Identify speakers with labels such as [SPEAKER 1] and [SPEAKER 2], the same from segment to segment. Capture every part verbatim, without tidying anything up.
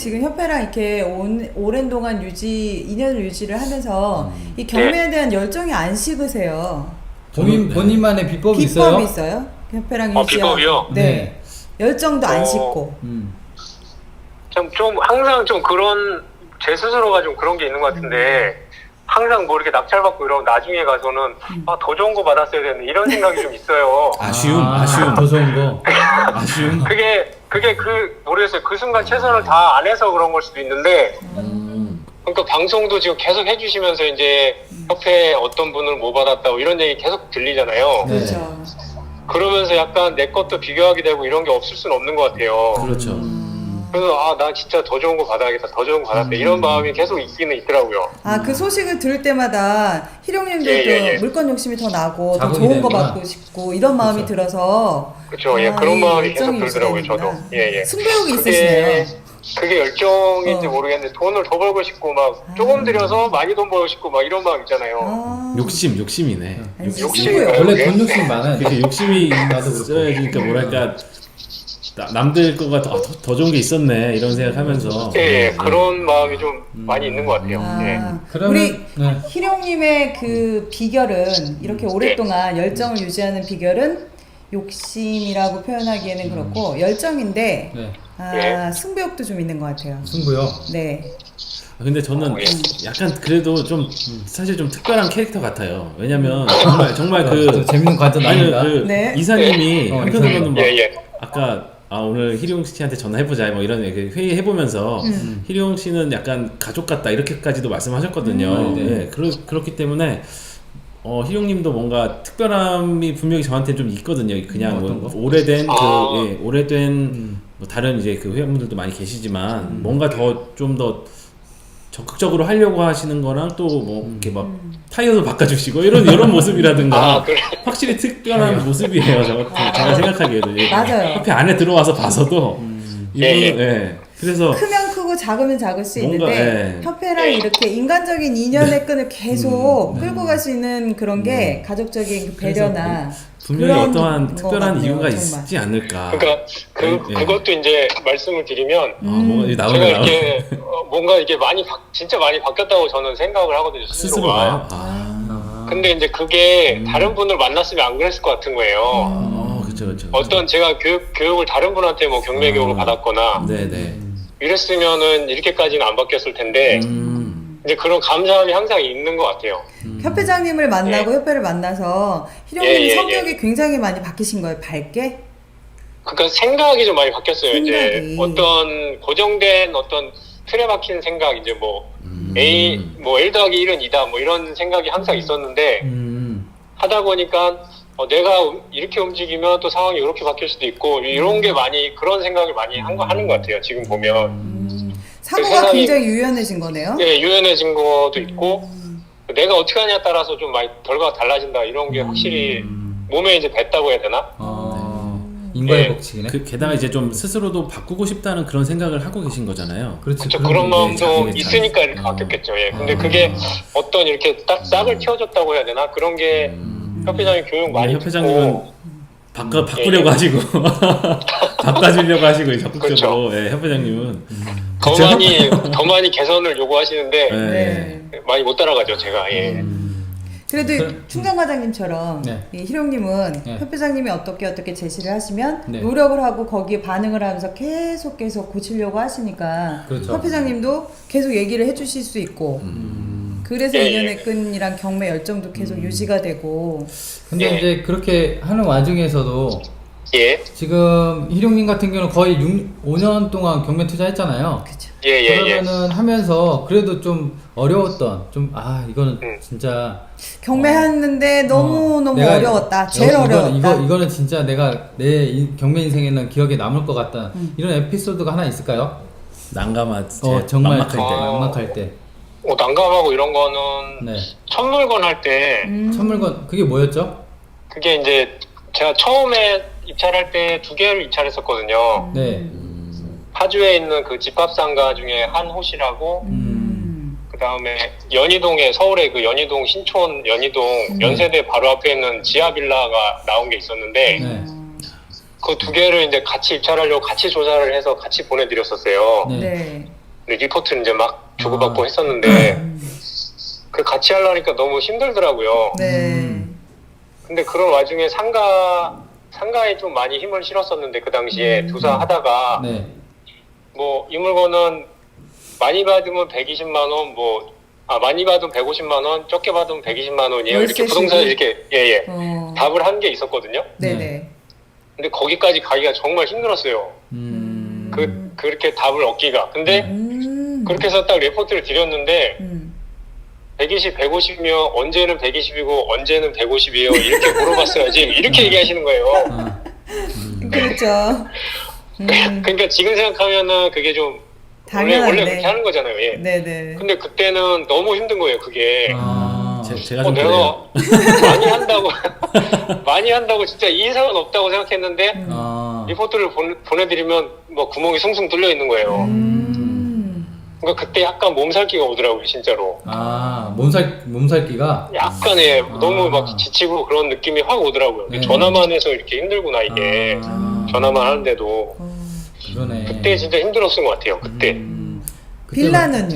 [SPEAKER 1] 지금 협회랑 이렇게 온, 오랜 동안 유지, 인연을 유지를 하면서 음. 이 경매에 대한 열정이 안 식으세요.
[SPEAKER 2] 본인,
[SPEAKER 3] 네.
[SPEAKER 2] 본인만의 비법이 있어요?
[SPEAKER 1] 비법이 있어요? 협회랑
[SPEAKER 4] 어,
[SPEAKER 1] 유지하고.
[SPEAKER 4] 비법이요?
[SPEAKER 1] 네.
[SPEAKER 2] 네.
[SPEAKER 1] 열정도 안
[SPEAKER 4] 어.
[SPEAKER 1] 식고.
[SPEAKER 2] 음.
[SPEAKER 4] 좀, 좀 항상 좀 그런 제 스스로가 좀 그런 게 있는 것 같은데 항상 뭐 이렇게 낙찰받고 이러면 나중에 가서는
[SPEAKER 1] 음.
[SPEAKER 4] 아, 더 좋은 거 받았어야 되는데 이런 생각이 좀 있어요.
[SPEAKER 3] 아쉬움,
[SPEAKER 2] 아,
[SPEAKER 3] 아쉬움.
[SPEAKER 2] 더 좋은 거.
[SPEAKER 3] 아쉬움.
[SPEAKER 4] 그게 그게 그 모르겠어요. 그 순간 최선을 다 안 해서 그런 걸 수도 있는데
[SPEAKER 3] 음.
[SPEAKER 4] 그러니까 방송도 지금 계속 해주시면서 이제 협회 어떤 분을 뭐 받았다고 이런 얘기 계속 들리잖아요.
[SPEAKER 2] 네.
[SPEAKER 1] 그렇죠.
[SPEAKER 4] 그러면서 약간 내 것도 비교하게 되고 이런 게 없을 수는 없는 것 같아요.
[SPEAKER 3] 그렇죠.
[SPEAKER 4] 그래서 아, 나 진짜 더 좋은 거 받아야겠다, 더 좋은 거 받았다 이런 마음이 계속 있기는 있더라고요.
[SPEAKER 1] 아, 그 소식을 들을 때마다 희룡님도
[SPEAKER 4] 예, 예, 예.
[SPEAKER 1] 물건 욕심이 더 나고 더
[SPEAKER 2] 자극이
[SPEAKER 1] 좋은 거
[SPEAKER 2] 되는구나.
[SPEAKER 1] 받고 싶고 이런 마음이
[SPEAKER 2] 그렇죠.
[SPEAKER 1] 들어서
[SPEAKER 4] 그렇죠. 예,
[SPEAKER 1] 아,
[SPEAKER 4] 그런
[SPEAKER 1] 이
[SPEAKER 4] 마음이 계속
[SPEAKER 1] 열정이
[SPEAKER 4] 들더라고요, 저도.
[SPEAKER 1] 유지되는구나.
[SPEAKER 4] 예, 예.
[SPEAKER 1] 승부욕이
[SPEAKER 4] 그게,
[SPEAKER 1] 있으시네요.
[SPEAKER 4] 그게 열정인지
[SPEAKER 1] 어.
[SPEAKER 4] 모르겠는데 돈을 더 벌고 싶고 막 조금 들여서 많이 돈 벌고 싶고 막 이런 마음 있잖아요.
[SPEAKER 1] 아.
[SPEAKER 3] 욕심, 욕심이네.
[SPEAKER 1] 아니,
[SPEAKER 4] 욕심이
[SPEAKER 1] 승부욕.
[SPEAKER 4] 뭐예요?
[SPEAKER 2] 원래
[SPEAKER 4] 네.
[SPEAKER 2] 돈 욕심 많아요.
[SPEAKER 3] 그렇게 욕심이
[SPEAKER 2] 나도 그렇고.
[SPEAKER 3] 있어야지, 그러니까 뭐랄까 나- 남들 거가 더, 더, 더 좋은 게 있었네 이런 생각하면서.
[SPEAKER 4] 예, 예,
[SPEAKER 3] 네.
[SPEAKER 4] 그런 마음이 좀 많이 있는 것 같아요. 예.
[SPEAKER 1] 아,
[SPEAKER 2] 그러면-
[SPEAKER 1] 우리
[SPEAKER 2] 네.
[SPEAKER 1] 희룡님의 그 비결은 이렇게 오랫동안 열정을 유지하는 비결은 욕심이라고 표현하기에는 그렇고 열정인데
[SPEAKER 2] 네.
[SPEAKER 1] 아,
[SPEAKER 4] 네.
[SPEAKER 1] 승부욕도 좀 있는 것 같아요.
[SPEAKER 2] 승부요.
[SPEAKER 1] 네.
[SPEAKER 3] 아, 근데 저는
[SPEAKER 4] 어, 예.
[SPEAKER 3] 약간 그래도 좀 사실 좀 특별한 캐릭터 같아요. 왜냐면 정말 정말 그
[SPEAKER 2] 또 재밌는 관전
[SPEAKER 3] 아니
[SPEAKER 2] 아닌가?
[SPEAKER 3] 그
[SPEAKER 1] 네.
[SPEAKER 3] 이사님이
[SPEAKER 2] 어,
[SPEAKER 3] 한편으로는 막
[SPEAKER 4] 예, 예.
[SPEAKER 3] 아까 아 오늘 희룡 씨한테 전화해보자 뭐 이런 얘기 회의 해보면서
[SPEAKER 1] 음.
[SPEAKER 3] 희룡 씨는 약간 가족 같다 이렇게까지도 말씀하셨거든요.
[SPEAKER 2] 음, 네.
[SPEAKER 3] 네, 그렇, 그렇기 때문에 어, 희룡님도 뭔가 특별함이 분명히 저한테 좀 있거든요. 그냥
[SPEAKER 2] 음,
[SPEAKER 3] 뭐
[SPEAKER 2] 어떤 거?
[SPEAKER 3] 오래된
[SPEAKER 4] 아.
[SPEAKER 3] 그 예, 오래된
[SPEAKER 2] 음.
[SPEAKER 3] 뭐 다른 이제 그 회원분들도 많이 계시지만 뭔가 더 좀 더 적극적으로 하려고 하시는 거랑 또 뭐 이렇게 막 타이어도 바꿔주시고 이런 이런 모습이라든가
[SPEAKER 4] 아, 그래.
[SPEAKER 3] 확실히 특별한 모습이에요. 저 같은 제가 생각하기에도 예.
[SPEAKER 1] 맞아요.
[SPEAKER 3] 협회 안에 들어와서 봐서도 이분은
[SPEAKER 4] 예,
[SPEAKER 3] 예. 그래서
[SPEAKER 1] 크면 크고 작으면 작을 수
[SPEAKER 3] 뭔가,
[SPEAKER 1] 있는데
[SPEAKER 3] 예.
[SPEAKER 1] 협회랑
[SPEAKER 4] 예.
[SPEAKER 1] 이렇게 인간적인 인연의 끈을 계속
[SPEAKER 3] 음,
[SPEAKER 1] 끌고 갈 수 있는 그런 게 가족적인 그 배려나
[SPEAKER 3] 분명히
[SPEAKER 1] 그런
[SPEAKER 3] 어떠한
[SPEAKER 1] 거
[SPEAKER 3] 특별한
[SPEAKER 1] 같네요,
[SPEAKER 3] 이유가
[SPEAKER 1] 정말.
[SPEAKER 3] 있지 않을까.
[SPEAKER 4] 그러니까 그
[SPEAKER 3] 예.
[SPEAKER 4] 그것도 이제 말씀을 드리면
[SPEAKER 3] 아, 뭔가 이제 나오네
[SPEAKER 4] 제가
[SPEAKER 3] 나오네.
[SPEAKER 4] 이렇게 어, 뭔가 이게 많이 바, 진짜 많이 바뀌었다고 저는 생각을 하거든요.
[SPEAKER 3] 스스로가요?
[SPEAKER 4] 스스로가.
[SPEAKER 3] 아,
[SPEAKER 4] 근데 이제 그게
[SPEAKER 3] 음.
[SPEAKER 4] 다른 분을 만났으면 안 그랬을 것 같은 거예요.
[SPEAKER 3] 어, 그렇죠, 그렇죠.
[SPEAKER 4] 어떤 제가 교육 교육을 다른 분한테 뭐 경매
[SPEAKER 3] 아.
[SPEAKER 4] 교육을 받았거나
[SPEAKER 3] 네네.
[SPEAKER 4] 이랬으면은 이렇게까지는 안 바뀌었을 텐데
[SPEAKER 3] 음,
[SPEAKER 4] 이제 그런 감사함이 항상 있는 것 같아요.
[SPEAKER 1] 협회장님을 만나고 협회를 만나서 희룡님이
[SPEAKER 4] 예, 예,
[SPEAKER 1] 성격이 굉장히 많이 바뀌신 거예요. 밝게?
[SPEAKER 4] 그러니까 생각이 좀 많이 바뀌었어요.
[SPEAKER 1] 생각이.
[SPEAKER 4] 이제 어떤 고정된 어떤 틀에 박힌 생각 이제 뭐
[SPEAKER 3] 음.
[SPEAKER 4] A 뭐 일 더하기 일은 이다 뭐 이런 생각이 항상 있었는데
[SPEAKER 2] 음.
[SPEAKER 4] 하다 보니까 어, 내가 음- 이렇게 움직이면 또 상황이 이렇게 바뀔 수도 있고 이런 게 많이 그런 생각을 많이 한 거 하는 것 같아요. 지금 보면
[SPEAKER 1] 음, 사고가
[SPEAKER 4] 세상이-
[SPEAKER 1] 굉장히 유연해진 거네요.
[SPEAKER 4] 예, 유연해진 것도 있고 내가 어떻게 하냐에 따라서 좀 많이 결과가 달라진다 이런 게 확실히 몸에 이제 뱄다고 해야 되나?
[SPEAKER 2] 어, 인과의
[SPEAKER 4] 예.
[SPEAKER 2] 법칙이네.
[SPEAKER 3] 그, 게다가 이제 좀 스스로도 바꾸고 싶다는 그런 생각을 하고 계신 거잖아요.
[SPEAKER 2] 그렇지.
[SPEAKER 4] 그렇죠.
[SPEAKER 2] 그런
[SPEAKER 4] 그런
[SPEAKER 2] 게
[SPEAKER 4] 마음도
[SPEAKER 3] 자기의
[SPEAKER 4] 있으니까
[SPEAKER 3] 잘-
[SPEAKER 4] 이렇게
[SPEAKER 3] 어.
[SPEAKER 4] 바뀌었겠죠. 예. 근데
[SPEAKER 3] 아.
[SPEAKER 4] 그게 어떤 이렇게 딱 싹을 틔워줬다고 해야 되나? 그런 게 협회장님 교육 많이
[SPEAKER 3] 음. 협회장님은
[SPEAKER 4] 듣고
[SPEAKER 3] 바꿔 바꾸려고
[SPEAKER 4] 예.
[SPEAKER 3] 하시고 바꿔주려고 하시고 적극적으로
[SPEAKER 4] 그렇죠.
[SPEAKER 3] 예, 협회장님은
[SPEAKER 4] 더
[SPEAKER 3] 그쵸?
[SPEAKER 4] 많이 더 많이 개선을 요구하시는데
[SPEAKER 3] 예.
[SPEAKER 1] 네.
[SPEAKER 4] 많이 못 따라가죠. 제가. 예.
[SPEAKER 1] 그래도
[SPEAKER 2] 그-
[SPEAKER 1] 충장 과장님처럼
[SPEAKER 2] 네.
[SPEAKER 1] 이 희룡님은
[SPEAKER 2] 네.
[SPEAKER 1] 협회장님이 어떻게 어떻게 제시를 하시면
[SPEAKER 2] 네.
[SPEAKER 1] 노력을 하고 거기에 반응을 하면서 계속 계속 고치려고 하시니까
[SPEAKER 2] 그렇죠.
[SPEAKER 1] 협회장님도 계속 얘기를 해주실 수 있고
[SPEAKER 2] 음.
[SPEAKER 1] 그래서
[SPEAKER 4] 예, 예.
[SPEAKER 1] 인연의 끈이랑 경매 열정도 계속 유지가 되고
[SPEAKER 2] 근데
[SPEAKER 4] 예.
[SPEAKER 2] 이제 그렇게 하는 와중에서도
[SPEAKER 4] 예.
[SPEAKER 2] 지금 희룡님 같은 경우는 거의 육, 오 년 동안 경매 투자했잖아요.
[SPEAKER 1] 그죠.
[SPEAKER 4] 예, 예, 예.
[SPEAKER 2] 그러면은 하면서 그래도 좀 어려웠던 좀 아 이거는
[SPEAKER 4] 음.
[SPEAKER 2] 진짜
[SPEAKER 1] 경매했는데 너무
[SPEAKER 2] 어,
[SPEAKER 1] 너무
[SPEAKER 2] 내가
[SPEAKER 1] 어려웠다. 제일
[SPEAKER 2] 이거,
[SPEAKER 1] 어려웠다.
[SPEAKER 2] 이거 이거는 진짜 내가 내 인- 경매 인생에는 기억에 남을 것 같다.
[SPEAKER 1] 음.
[SPEAKER 2] 이런 에피소드가 하나 있을까요?
[SPEAKER 3] 난감한
[SPEAKER 2] 어 정말
[SPEAKER 3] 막막할 때.
[SPEAKER 4] 아.
[SPEAKER 2] 막막할 때.
[SPEAKER 4] 어, 난감하고 이런 거는
[SPEAKER 2] 네.
[SPEAKER 4] 첫 물건 할 때
[SPEAKER 1] 음.
[SPEAKER 2] 첫 물건 그게 뭐였죠?
[SPEAKER 4] 그게 이제 제가 처음에 입찰할 때 두 개를 입찰했었거든요.
[SPEAKER 2] 네.
[SPEAKER 4] 파주에 있는 그 집합상가 중에 한 호시라고
[SPEAKER 1] 음.
[SPEAKER 4] 그 다음에 연희동에 서울의 그 연희동 신촌 연희동
[SPEAKER 1] 음.
[SPEAKER 4] 연세대 바로 앞에 있는 지하 빌라가 나온 게 있었는데
[SPEAKER 2] 네.
[SPEAKER 4] 그 두 개를 이제 같이 입찰하려고 같이 조사를 해서 같이 보내드렸었어요.
[SPEAKER 2] 네.
[SPEAKER 1] 네.
[SPEAKER 4] 리포트를 이제 막 주고받고 했었는데
[SPEAKER 1] 음.
[SPEAKER 4] 그 같이 하려니까 너무 힘들더라고요.
[SPEAKER 1] 네.
[SPEAKER 2] 음.
[SPEAKER 4] 근데 그런 와중에 상가 상가에 좀 많이 힘을 실었었는데 그 당시에
[SPEAKER 1] 음.
[SPEAKER 4] 두사 하다가
[SPEAKER 2] 네.
[SPEAKER 4] 뭐 이 물건은 많이 받으면 백이십만 원, 뭐 아 많이 받으면 백오십만 원, 적게 받으면 백이십만 원이에요. 이렇게
[SPEAKER 1] 월세
[SPEAKER 4] 부동산
[SPEAKER 1] 시기?
[SPEAKER 4] 이렇게 예예
[SPEAKER 1] 어.
[SPEAKER 4] 답을 한 게 있었거든요.
[SPEAKER 1] 네네.
[SPEAKER 4] 근데 거기까지 가기가 정말 힘들었어요.
[SPEAKER 2] 음.
[SPEAKER 4] 그 그렇게 답을 얻기가. 근데
[SPEAKER 1] 음.
[SPEAKER 4] 그렇게 해서 딱 레포트를 드렸는데
[SPEAKER 1] 음.
[SPEAKER 4] 백이십, 백오십이면 언제는 백이십이고 언제는 백오십이에요. 이렇게 물어봤어야지. 이렇게 얘기하시는 거예요.
[SPEAKER 2] 아.
[SPEAKER 1] 그렇죠. 음.
[SPEAKER 4] 그러니까 지금 생각하면은 그게 좀 원래 원래
[SPEAKER 1] 당연한데.
[SPEAKER 4] 그렇게 하는 거잖아요. 예.
[SPEAKER 1] 네네.
[SPEAKER 4] 근데 그때는 너무 힘든 거예요. 그게.
[SPEAKER 2] 아.
[SPEAKER 3] 제, 제가
[SPEAKER 4] 어,
[SPEAKER 3] 좀 그래요.
[SPEAKER 4] 내가 많이 한다고 많이 한다고 진짜 이 이상은 없다고 생각했는데
[SPEAKER 2] 아.
[SPEAKER 4] 리포트를 보, 보내드리면 뭐 구멍이 숭숭 뚫려 있는 거예요.
[SPEAKER 1] 음.
[SPEAKER 4] 그러니까 그때 약간 몸살기가 오더라고요, 진짜로.
[SPEAKER 2] 아, 몸살 몸살기가.
[SPEAKER 4] 약간의
[SPEAKER 2] 아.
[SPEAKER 4] 너무 막 지치고 그런 느낌이 확 오더라고요.
[SPEAKER 2] 네.
[SPEAKER 4] 전화만 해서 이렇게 힘들구나 이게.
[SPEAKER 2] 아.
[SPEAKER 4] 전화만 하는데도
[SPEAKER 1] 어.
[SPEAKER 2] 그러네.
[SPEAKER 4] 그때 진짜 힘들었던 것 같아요. 그때
[SPEAKER 2] 음. 그때
[SPEAKER 1] 빌라는요?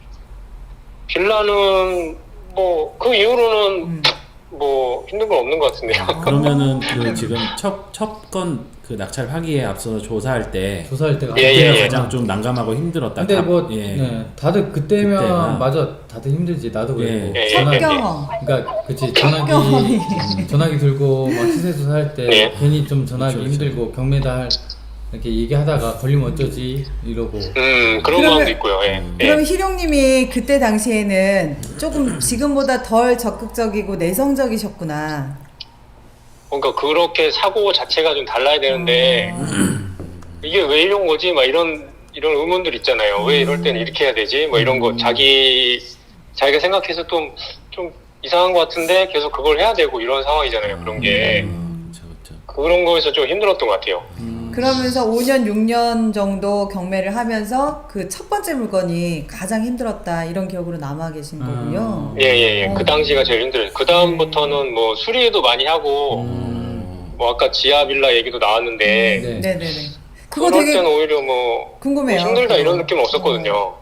[SPEAKER 4] 빌라는 뭐 그 이후로는
[SPEAKER 1] 음.
[SPEAKER 4] 뭐 힘든 건 없는 것 같은데요.
[SPEAKER 3] 그러면은 그 지금 첫 첫 건 그 낙찰 하기에 앞서 조사할 때
[SPEAKER 2] 조사할 때가.
[SPEAKER 4] 예, 예,
[SPEAKER 3] 그때가
[SPEAKER 4] 예.
[SPEAKER 3] 가장 좀 난감하고 힘들었다.
[SPEAKER 2] 근데
[SPEAKER 3] 답-
[SPEAKER 2] 뭐
[SPEAKER 3] 예.
[SPEAKER 2] 네, 다들 그때면
[SPEAKER 3] 그때가.
[SPEAKER 2] 맞아 다들 힘들지 나도 그랬고
[SPEAKER 3] 예.
[SPEAKER 4] 예,
[SPEAKER 2] 전화기
[SPEAKER 4] 예.
[SPEAKER 1] 경험.
[SPEAKER 2] 그러니까 그치 전화기
[SPEAKER 1] 경험이.
[SPEAKER 2] 음, 전화기 들고 막 시세 조사할 때
[SPEAKER 4] 예.
[SPEAKER 2] 괜히 좀 전화기
[SPEAKER 3] 그쵸, 그쵸.
[SPEAKER 2] 힘들고 경매다 할 이렇게 얘기하다가 걸리면 어쩌지 이러고
[SPEAKER 4] 음 그런
[SPEAKER 1] 그러면-
[SPEAKER 4] 마음도 있고요. 예. 예.
[SPEAKER 1] 그럼 희룡님이 그때 당시에는 조금 지금보다 덜 적극적이고 내성적이셨구나.
[SPEAKER 4] 그러니까 그렇게 사고 자체가 좀 달라야 되는데 이게 왜 이런 거지? 막 이런 이런 의문들 있잖아요. 왜 이럴 때는 이렇게 해야 되지? 뭐 이런 거 자기 자기가 생각해서 좀 좀 이상한 것 같은데 계속 그걸 해야 되고 이런 상황이잖아요. 그런 게
[SPEAKER 3] 음, 그쵸, 그쵸.
[SPEAKER 4] 그런 거에서 좀 힘들었던 것 같아요.
[SPEAKER 1] 그러면서 오 년, 육 년 정도 경매를 하면서 그 첫 번째 물건이 가장 힘들었다 이런 기억으로 남아 계신 거군요.
[SPEAKER 4] 예예예.
[SPEAKER 1] 어.
[SPEAKER 4] 그 당시가 제일 힘들어요. 그 다음부터는 뭐 수리도 많이 하고
[SPEAKER 3] 음.
[SPEAKER 4] 뭐 아까 지하 빌라 얘기도 나왔는데
[SPEAKER 2] 네.
[SPEAKER 1] 네네네. 그거
[SPEAKER 4] 그럴
[SPEAKER 1] 되게
[SPEAKER 4] 때는 오히려 뭐
[SPEAKER 1] 궁금해요.
[SPEAKER 4] 힘들다
[SPEAKER 1] 그거.
[SPEAKER 4] 이런 느낌은 없었거든요.